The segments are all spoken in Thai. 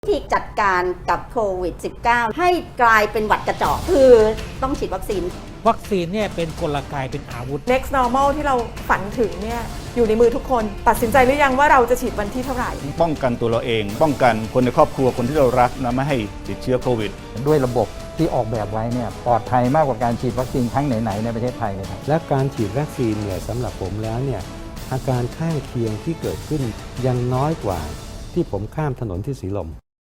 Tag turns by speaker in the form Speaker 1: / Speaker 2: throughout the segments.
Speaker 1: ที่จัดการกับโควิด -19 ให้กลายเป็นหวัดกระจอกคือต้องฉีดวัคซีน
Speaker 2: เนี่ยเป็นกลไกเป็นอาวุธ
Speaker 3: Next Normal ที่เราฝันถึงเนี่ยอยู่ในมือทุกคนตัดสินใจหรือยังว่าเราจะฉีดวันที่เท่าไหร่
Speaker 4: ป้องกันตัวเราเองป้องกันคนในครอบครัวคนที่เรารักนะไม่ให้ติดเชื้อโควิด
Speaker 5: ด้วยระบบที่ออกแบบไว้เนี่ยปลอดภัยมากกว่าการฉีดวัคซีนครั้งไหนๆในประเทศไทยเลยครับ
Speaker 6: และการฉีดวัคซีนเนี่ยสำหรับผมแล้วเนี่ยอาการข้างเคียงที่เกิดขึ้นยังน้อยกว่าที่ผมข้ามถนนที่สีลม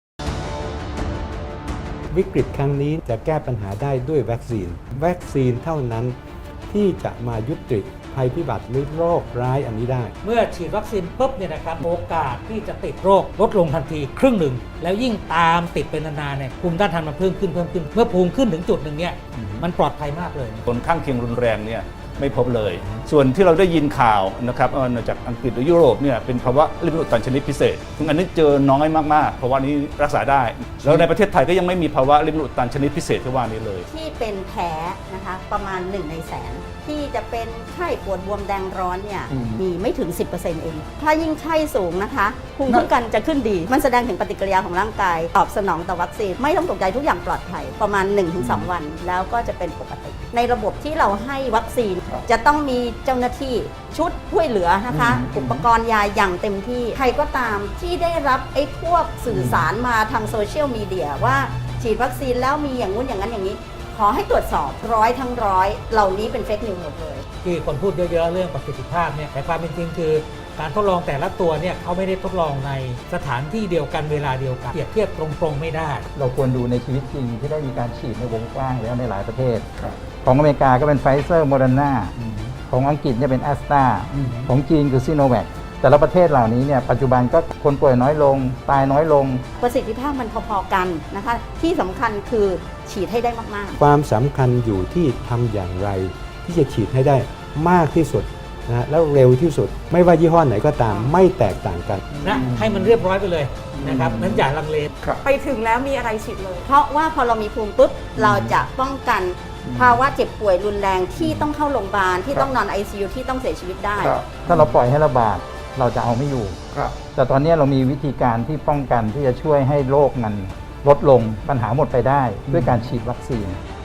Speaker 6: วิกฤตครั้งนี้จะแก้ปัญหาได้ด้วยวัคซีนเท่านั้นที่จะมายุติภัยพิบัติหรือโรคร้ายอันนี้ได้
Speaker 2: เมื่อฉีดวัคซีนปุ๊บเนี่ยนะครับโอกาสที่จะติดโรคลดลงทันทีครึ่งหนึ่งแล้วยิ่งตามติดเป็นนานๆเนี่ยภูมิต้านทานมันเพิ่มขึ้นเมื่อภูมิขึ้นถึงจุดหนึ่งเนี่ยมันปลอดภัยมากเลย
Speaker 4: ผลข้างเคียงรุนแรงเนี่ยไม่พบเลยส่วนที่เราได้ยินข่าวนะครับจากอังกฤษหรือยุโรปเนี่ยเป็นภาวะลิ้นอุดตันชนิดพิเศษซึ่งอันนี้เจอน้อยมากๆภาวะนี้รักษาได้แล้วในประเทศไทยก็ยังไม่มีภาวะลิ้นอุดตันชนิดพิเศษที่ว่านี้เลย
Speaker 1: ที่เป็นแผลนะคะประมาณ1 ในแสนที่จะเป็นไข้ปวดบวมแดงร้อนเนี่ยมีไม่ถึง 10% เองถ้ายิ่งไข้สูงนะคะภูมิคุ้มกันจะขึ้นดีมันแสดงถึงปฏิกิริยาของร่างกายตอบสนองต่อวัคซีนไม่ต้องตกใจทุกอย่างปลอดภัยประมาณ 1-2 วันแล้วก็จะเป็นปกติในระบบที่เราให้วัคซีนจะต้องมีเจ้าหน้าที่ชุดช่วยเหลือนะคะอุปกรณ์ยาอย่างเต็มที่ใครก็ตามที่ได้รับไอ้พวกสื่อสารมาทางโซเชียลมีเดียว่าฉีดวัคซีนแล้วมีอย่างงู้นอย่างนั้นอย่างนี้ขอให้ตรวจสอบทั้งร้อยเหล่านี้เป็นเฟกนิวส์หมดเลย
Speaker 2: ที่คนพูดเยอะๆเรื่องประสิทธิภาพเนี่ยแต่ความเป็นจริงคือการทดลองแต่ละตัวเนี่ยเขาไม่ได้ทดลองในสถานที่เดียวกันเวลาเดียวกันเปรียบเทียบตรงๆไม่ได้
Speaker 5: เราควรดูในชีวิตจริงที่ได้มีการฉีดในวงกว้างแล้วในหลายประเทศของอเมริกาก็เป็นไฟเซอร์โมเดอร์นาของอังกฤษเนี่ยเป็นแอสตราของจีนคือซิโนแวคแต่ละประเทศเหล่านี้เนี่ยปัจจุบันก็คนป่วยน้อยลงตายน้อยลง
Speaker 1: ประสิทธิภาพมันพอๆกันนะคะที่สำคัญคือฉีดให้ได้มาก
Speaker 6: ๆความสำคัญอยู่ที่ทำอย่างไรที่จะฉีดให้ได้มากที่สุดนะแล้วเร็วที่สุดไม่ว่ายี่ห้อไหนก็ตามไม่แตกต่างกัน
Speaker 2: นะให้มันเรียบร้อยไปเลยนะครับนั้นอย่าลังเล
Speaker 3: ไปถึงแล้วมีอะไรฉีดเลย
Speaker 1: เพราะว่าพอเรามีภูมิปุ๊บเราจะป้องกันภาวะเจ็บป่วยรุนแรงที่ต้องเข้าโรงพยาบาลที่ต้องนอน ICU ที่ต้องเสียชีวิตได้
Speaker 5: ถ้าเราปล่อยให้ระบาดเราจะเอาไม่อยู่แต่ตอนนี้เรามีวิธีการที่ป้องกันที่จะช่วยให้โรคมันลดลงปัญหาหมดไปได้ด้วยการฉีดวัคซีน